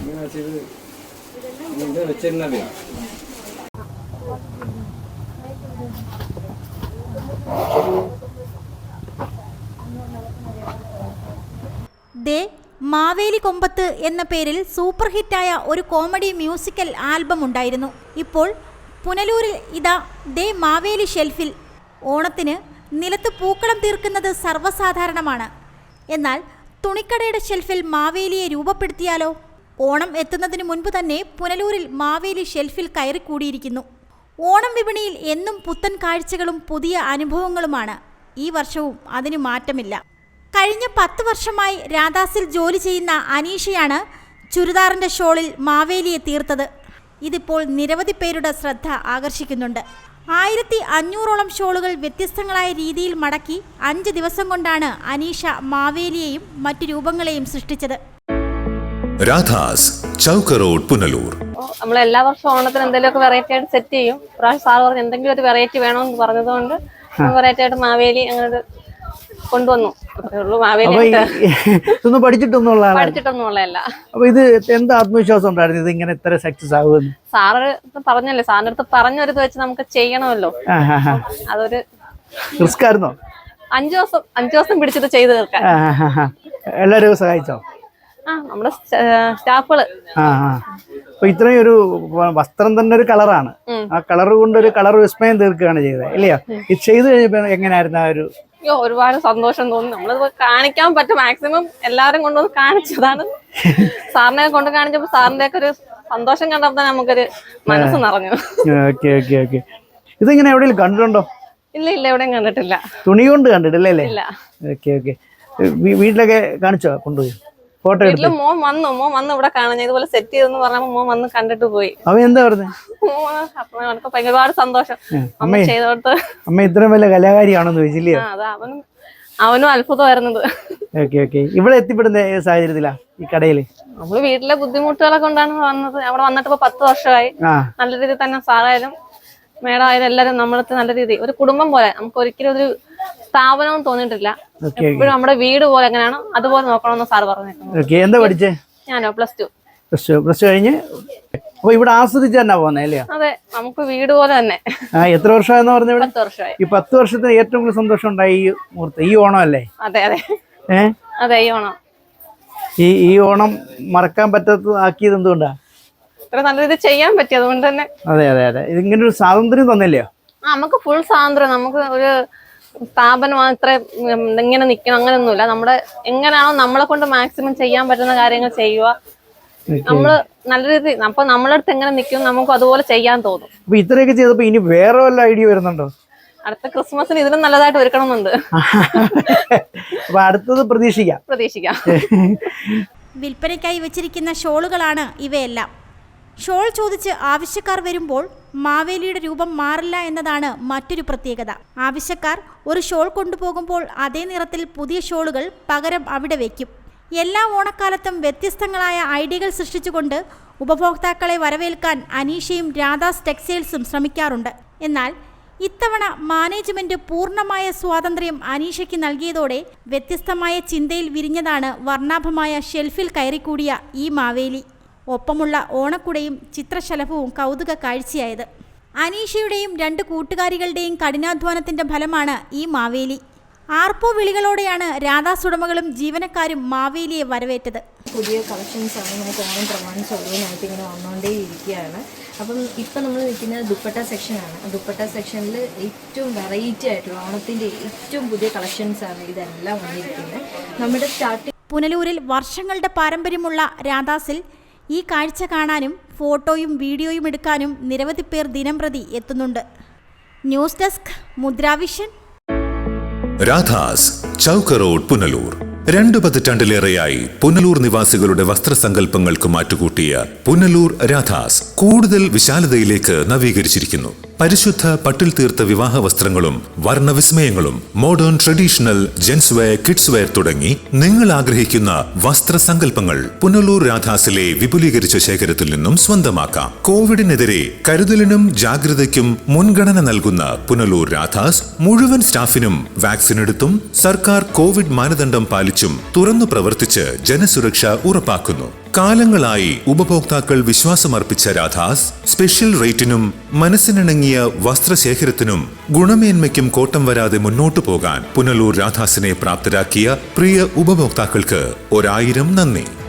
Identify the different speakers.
Speaker 1: ദേ മാവേലി കൊമ്പത്ത് എന്ന പേരിൽ സൂപ്പർ ഹിറ്റായ ഒരു കോമഡി മ്യൂസിക്കൽ ആൽബം ഉണ്ടായിരുന്നു. ഇപ്പോൾ പുനലൂരിൽ ഇതാ ദേ മാവേലി ഷെൽഫിൽ. ഓണത്തിന് നിലത്ത് പൂക്കളം തീർക്കുന്നത് സർവ്വസാധാരണമാണ്. എന്നാൽ തുണിക്കടയുടെ ഷെൽഫിൽ മാവേലിയെ രൂപപ്പെടുത്തിയാലോ? ഓണം എത്തുന്നതിന് മുൻപ് തന്നെ പുനലൂരിൽ മാവേലി ഷെൽഫിൽ കയറിക്കൂടിയിരിക്കുന്നു. ഓണം വിപണിയിൽ എന്നും പുത്തൻ കാഴ്ചകളും പുതിയ അനുഭവങ്ങളുമാണ്. ഈ വർഷവും അതിന് മാറ്റമില്ല. കഴിഞ്ഞ 10 വർഷമായി രാധാസിൽ ജോലി ചെയ്യുന്ന അനീഷയാണ് ചുരിദാറിൻ്റെ ഷോളിൽ മാവേലിയെ തീർത്തത്. ഇതിപ്പോൾ നിരവധി പേരുടെ ശ്രദ്ധ ആകർഷിക്കുന്നുണ്ട്. 1500ഓളം ഷോളുകൾ വ്യത്യസ്തങ്ങളായ രീതിയിൽ മടക്കി 5 ദിവസം കൊണ്ടാണ് അനീഷ മാവേലിയെയും മറ്റു രൂപങ്ങളെയും സൃഷ്ടിച്ചത്.
Speaker 2: രാധാസ് ചൗക്ക് റോഡ് പുനലൂർ.
Speaker 3: നമ്മൾ എല്ലാ വർഷവും ഓണത്തിന് എന്തെങ്കിലുമൊക്കെ വെറൈറ്റി ആയിട്ട് സെറ്റ് ചെയ്യും. പ്രാവശ്യം സാർ പറഞ്ഞ് എന്തെങ്കിലും ഒരു വെറൈറ്റി വേണമെന്ന് പറഞ്ഞതുകൊണ്ട് വെറൈറ്റി ആയിട്ട് മാവേലി അങ്ങനെ കൊണ്ടുവന്നു. പഠിച്ചിട്ടൊന്നുമുള്ളതല്ല.
Speaker 4: അപ്പൊ ഇത് എന്താ ആത്മവിശ്വാസം ഉണ്ടായിരുന്നു ഇത് ഇങ്ങനെ ഇത്ര സക്സസ് ആകുമെന്ന്?
Speaker 3: സാറ് പറഞ്ഞല്ലേ, സാറിന്റെ അടുത്ത് പറഞ്ഞൊരിത് വെച്ച് നമുക്ക് ചെയ്യണമല്ലോ. അതൊരു
Speaker 4: റിസ്ക് ആയിരുന്നോ?
Speaker 3: 5 ദിവസം പിടിച്ചിട്ട് ചെയ്ത് തീർക്കാൻ.
Speaker 4: എല്ലാവരും സഹായിച്ചോ?
Speaker 3: നമ്മുടെ സ്റ്റാഫുകള്.
Speaker 4: അപ്പൊ ഇത്രയും ഒരു വസ്ത്രം തന്നെ ഒരു കളറാണ്. ആ കളർ കൊണ്ട് ഒരു കളർ വിസ്മയം തീർക്കുകയാണ് ചെയ്തത്, ഇല്ലയോ? ഇത് ചെയ്ത് കഴിഞ്ഞപ്പോ എങ്ങനെയായിരുന്നു ആ ഒരു?
Speaker 3: ഒരുപാട് സന്തോഷം തോന്നി. നമ്മളിത് കാണിക്കാൻ പറ്റും മാക്സിമം എല്ലാരും കൊണ്ടുവന്ന് കാണിച്ചതാണ്. സാറിനെ കൊണ്ട് കാണിച്ചപ്പോ സാറിന്റെ ഒക്കെ ഒരു സന്തോഷം കണ്ടപ്പോ നമുക്കൊരു മനസ്സ് നിറഞ്ഞു.
Speaker 4: ഇതിങ്ങനെ എവിടെയെങ്കിലും കണ്ടിട്ടുണ്ടോ?
Speaker 3: ഇല്ല, എവിടെയും കണ്ടിട്ടില്ല.
Speaker 4: തുണി കൊണ്ട് കണ്ടിട്ടില്ലേ?
Speaker 3: ഇല്ല.
Speaker 4: വീട്ടിലൊക്കെ കാണിച്ചോ? കൊണ്ടുപോയി ഫോട്ടോ എടുത്തു?
Speaker 3: മോൻ വന്നു ഇവിടെ കാണാൻ ഇതുപോലെ സെറ്റ് ചെയ്തെന്ന് പറഞ്ഞപ്പോ മോൻ വന്ന് കണ്ടിട്ട് പോയി.
Speaker 4: അവൻ എന്താ പറഞ്ഞത്?
Speaker 3: ഒരുപാട് സന്തോഷം അമ്മ ചെയ്തോട്ട്.
Speaker 4: അമ്മ ഇത്രയും വലിയ കലാകാരിയാണെന്ന് ചോദിച്ചില്ലേ?
Speaker 3: അവനും അത്ഭുതമായിരുന്നത്.
Speaker 4: ഇവിടെ എത്തിപ്പെടുന്ന സാഹചര്യത്തിലാ ഈ കടയില്?
Speaker 3: നമ്മള് വീട്ടിലെ ബുദ്ധിമുട്ടുകളെ കൊണ്ടാണ് വന്നത്. അവിടെ വന്നിട്ട് ഇപ്പൊ 10 വർഷമായി. നല്ല രീതിയിൽ തന്നെ സാറായാലും മേഡം ആയാലും എല്ലാരും നമ്മളടുത്ത് നല്ല രീതി ഒരു കുടുംബം പോലെ. നമുക്ക് ഒരിക്കലും ഒരു സ്ഥാപനവും തോന്നിയിട്ടില്ല. എപ്പോഴും നമ്മുടെ വീട് പോലെ എങ്ങനെയാണോ അതുപോലെ നോക്കണമെന്ന് സാർ പറഞ്ഞിട്ടുണ്ട്.
Speaker 4: എന്താ പഠിച്ചേ?
Speaker 3: ഞാനോ +2.
Speaker 4: പ്ലസ് ടു കഴിഞ്ഞ് അപ്പൊ ഇവിടെ ആസ്വദിച്ച് തന്നെ പോകുന്നേ അല്ലേ?
Speaker 3: അതെ, നമുക്ക് വീട് പോലെ തന്നെ.
Speaker 4: എത്ര വർഷമായെന്ന് പറഞ്ഞ?
Speaker 3: 10 വർഷമായി.
Speaker 4: ഈ 10 വർഷത്തിന് ഏറ്റവും കൂടുതൽ സന്തോഷം ഉണ്ടായി ഈ മുഹൂർത്തം, ഈ ഓണം അല്ലേ?
Speaker 3: അതെ, ഈ ഓണം.
Speaker 4: ഈ ഓണം മറക്കാൻ പറ്റാത്തതാക്കിയത് എന്തുകൊണ്ടാ?
Speaker 3: ഇത്ര നല്ല രീതിയിൽ ചെയ്യാൻ പറ്റി, അതുകൊണ്ട് തന്നെ.
Speaker 4: അതെ, ഇതിങ്ങനെ ഒരു സ്വാതന്ത്ര്യം തന്നില്ലയോ?
Speaker 3: നമുക്ക് ഫുൾ സ്വാതന്ത്ര്യം. നമുക്ക് ഒരു സ്ഥാപനം മാത്രമേ ഇങ്ങനെ നിൽക്കണം അങ്ങനെയൊന്നുമില്ല. നമ്മുടെ എങ്ങനെയാണോ നമ്മളെ കൊണ്ട് മാക്സിമം ചെയ്യാൻ പറ്റുന്ന കാര്യങ്ങൾ ചെയ്യുക. നമ്മള് നല്ല രീതി അപ്പൊ നമ്മളെ അടുത്ത് എങ്ങനെ നിൽക്കും നമുക്ക് അതുപോലെ ചെയ്യാൻ തോന്നും.
Speaker 4: അപ്പൊ ഇത്രയൊക്കെ ചെയ്തപ്പോ ഇനി വേറെ വല്ല ഐഡിയ വരുന്നുണ്ടോ?
Speaker 3: അടുത്ത ക്രിസ്മസിന് ഇതിലും നല്ലതായിട്ട് ഒരുക്കണമെന്നുണ്ട്.
Speaker 4: അപ്പൊ അടുത്തത് പ്രതീക്ഷിക്കാം.
Speaker 1: വിൽപ്പനയ്ക്കായി വെച്ചിരിക്കുന്ന ഷോളുകളാണ് ഇവയെല്ലാം. ഷോൾ ചോദിച്ച് ആവശ്യക്കാർ വരുമ്പോൾ മാവേലിയുടെ രൂപം മാറില്ല എന്നതാണ് മറ്റൊരു പ്രത്യേകത. ആവശ്യക്കാർ ഒരു ഷോൾ കൊണ്ടുപോകുമ്പോൾ അതേ നിറത്തിൽ പുതിയ ഷോളുകൾ പകരം അവിടെ വയ്ക്കും. എല്ലാ ഓണക്കാലത്തും വ്യത്യസ്തങ്ങളായ ഐഡിയകൾ സൃഷ്ടിച്ചുകൊണ്ട് ഉപഭോക്താക്കളെ വരവേൽക്കാൻ അനീഷയും രാധാസ് ടെക്സ്റ്റൈൽസും ശ്രമിക്കാറുണ്ട്. എന്നാൽ ഇത്തവണ മാനേജ്മെന്റ് പൂർണ്ണമായ സ്വാതന്ത്ര്യം അനീഷയ്ക്ക് നൽകിയതോടെ വ്യത്യസ്തമായ ചിന്തയിൽ വിരിഞ്ഞതാണ് വർണ്ണാഭമായ ഷെൽഫിൽ കയറിക്കൂടിയ ഈ മാവേലി. ഒപ്പമുള്ള ഓണക്കുടയും ചിത്രശലഭവും കൗതുക കാഴ്ചയായത്. അനീഷയുടെയും 2 കൂട്ടുകാരികളുടെയും കഠിനാധ്വാനത്തിന്റെ ഫലമാണ് ഈ മാവേലി. ആർപ്പോ വിളികളോടെയാണ് രാധാസ് ഉടമകളും ജീവനക്കാരും മാവേലിയെ വരവേറ്റത്.
Speaker 5: പുതിയ കളക്ഷൻസാണ് നമുക്ക് ഓണം പ്രമാണിച്ച് ഓരോന്നായിട്ട് ഇങ്ങനെ വന്നുകൊണ്ടേ ഇരിക്കുകയാണ്. അപ്പം ഇപ്പം നമ്മൾ നിൽക്കുന്നത് ദുപ്പട്ട സെക്ഷനാണ്. ദുപ്പട്ട സെക്ഷനിൽ ഏറ്റവും വെറൈറ്റി ആയിട്ടുള്ള ഓണത്തിൻ്റെ ഏറ്റവും പുതിയ കളക്ഷൻസാണ് ഇതെല്ലാം വന്നിരിക്കുന്നത്. നമ്മുടെ
Speaker 1: പുനലൂരിൽ വർഷങ്ങളുടെ പാരമ്പര്യമുള്ള രാധാസിൽ ഈ കാഴ്ച കാണാനും ഫോട്ടോയും വീഡിയോയും എടുക്കാനും നിരവധി പേർ ദിനംപ്രതി എത്തുന്നുണ്ട്. News desk Mudravision.
Speaker 2: Radha's Chowk road Punalur. 2 പതിറ്റാണ്ടിലേറെയായി പുനലൂർ നിവാസികളുടെ വസ്ത്രസങ്കല്പങ്ങൾക്ക് മാറ്റുകൂട്ടിയ പുനലൂർ രാധാസ് കൂടുതൽ വിശാലതയിലേക്ക് നവീകരിച്ചിരിക്കുന്നു. പരിശുദ്ധ പട്ടിൽ തീർത്ത വിവാഹ വസ്ത്രങ്ങളും വർണ്ണവിസ്മയങ്ങളും modern traditional gents wear, kids wear തുടങ്ങി നിങ്ങൾ ആഗ്രഹിക്കുന്ന വസ്ത്രസങ്കല്പങ്ങൾ പുനലൂർ രാധാസിലെ വിപുലീകരിച്ച ശേഖരത്തിൽ നിന്നും സ്വന്തമാക്കാം. കോവിഡിനെതിരെ കരുതലിനും ജാഗ്രതയ്ക്കും മുൻഗണന നൽകുന്ന പുനലൂർ രാധാസ് മുഴുവൻ സ്റ്റാഫിനും വാക്സിൻ എടുത്തും സർക്കാർ കോവിഡ് മാനദണ്ഡം പാലിച്ചും തുറന്നു പ്രവർത്തിച്ച് ജനസുരക്ഷ ഉറപ്പാക്കുന്നു. കാലങ്ങളായി ഉപഭോക്താക്കൾ വിശ്വാസമർപ്പിച്ച രാധാസ് സ്പെഷ്യൽ റേറ്റിനും മനസ്സിനിണങ്ങിയ വസ്ത്രശേഖരത്തിനും ഗുണമേന്മയ്ക്കും കോട്ടം വരാതെ മുന്നോട്ടു പോകാൻ പുനലൂർ രാധാസിനെ പ്രാപ്തരാക്കിയ പ്രിയ ഉപഭോക്താക്കൾക്ക് 1000 നന്ദി.